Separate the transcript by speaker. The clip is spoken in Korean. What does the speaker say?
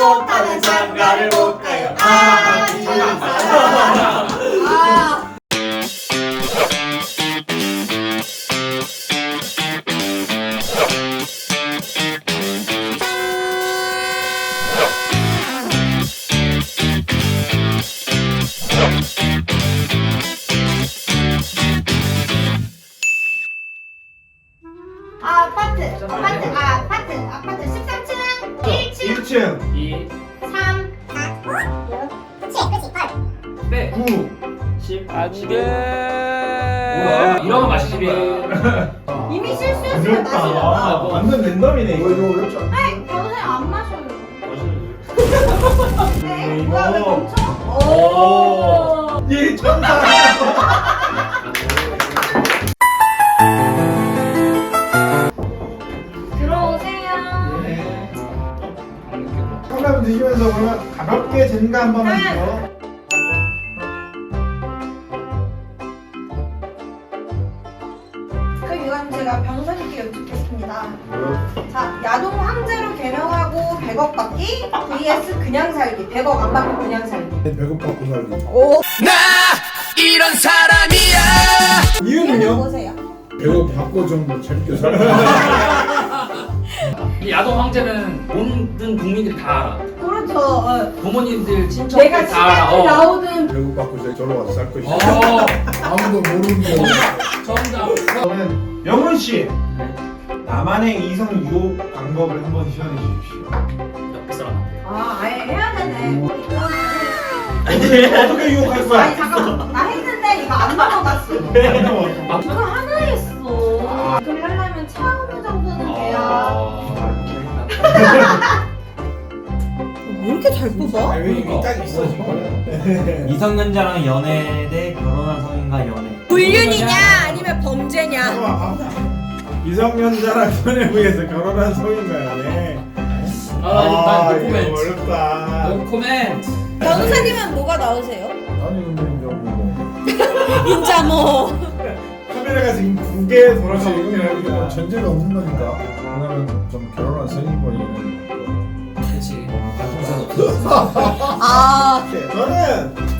Speaker 1: 못하면 장가를 못 가요.
Speaker 2: 아파트 13층 1층
Speaker 3: 2
Speaker 2: 3
Speaker 3: 네
Speaker 4: 9
Speaker 3: 10
Speaker 5: 안돼.
Speaker 3: 이러면 맛있지.
Speaker 2: 이미 실수했어요. 마시려고.
Speaker 4: 완전 랜덤이네 이거 어렵지 않아?
Speaker 2: 네, 변호사님 안 마셔요.
Speaker 4: 마셔야지.
Speaker 2: 네, 뭐야 왜 멈춰?
Speaker 3: 오.
Speaker 4: 예 정답.
Speaker 2: 들어오세요.
Speaker 4: 네. 컵라면 드시면서 그러면 가볍게 젠가 한번 하시죠.
Speaker 2: 그럼 이건 제가 변호사님께 여쭙겠습니다. 자, 야동 황제로 개명하고 100억 받기 vs 그냥 살기. 100억 안 받고 그냥 살기.
Speaker 4: 배고팠고 살기.
Speaker 5: 나 이런 사람이야.
Speaker 4: 이유는요?
Speaker 2: 보세요.
Speaker 4: 배고팠고 좀 재밌게 살기.
Speaker 3: 이 야동 황제는 모든 국민들이 다 알아.
Speaker 2: 그렇죠. 어.
Speaker 3: 부모님들 친척들
Speaker 2: 내가
Speaker 3: 다 알아.
Speaker 2: 시간이 나오든
Speaker 4: 배고팠고 저로 와서 살 것이다.
Speaker 5: 아무도 모르는 거.
Speaker 3: 정답.
Speaker 4: 그러면 명훈 씨 나만의 이성 유혹 방법을 한번 시연해 주십시오.
Speaker 3: 옆에 사람.
Speaker 2: 아, 아예 해야 되네.
Speaker 4: 어떻게 유혹할 거야?
Speaker 2: 아니 잠깐만. 나 했는데 이거 안 넘어갔어. 이거 하나 했어. 이걸 하려면 차은우 정도는 돼야. 왜 이렇게 잘 뽑아?
Speaker 4: 이게 딱 있어 지금.
Speaker 6: 미성년자랑 연애 대 결혼한 성인과 연애.
Speaker 7: 불륜이냐 아니면 범죄냐?
Speaker 4: 미성년자랑 연애 위해서 결혼한 성인가요?
Speaker 3: 아,
Speaker 4: 이거
Speaker 3: 노코멘트.
Speaker 4: 어렵다.
Speaker 3: 노코멘트.
Speaker 7: 변호사님은 뭐가 나오세요?
Speaker 4: 아니 근데 뭐
Speaker 7: 인자 뭐.
Speaker 4: 카메라 가서 두 개 돌아가고 있긴 하니까.
Speaker 8: 전제가 없는 거니까. 왜냐면 좀 결혼한 성인분이는
Speaker 3: 그렇지.
Speaker 7: 아
Speaker 4: 저는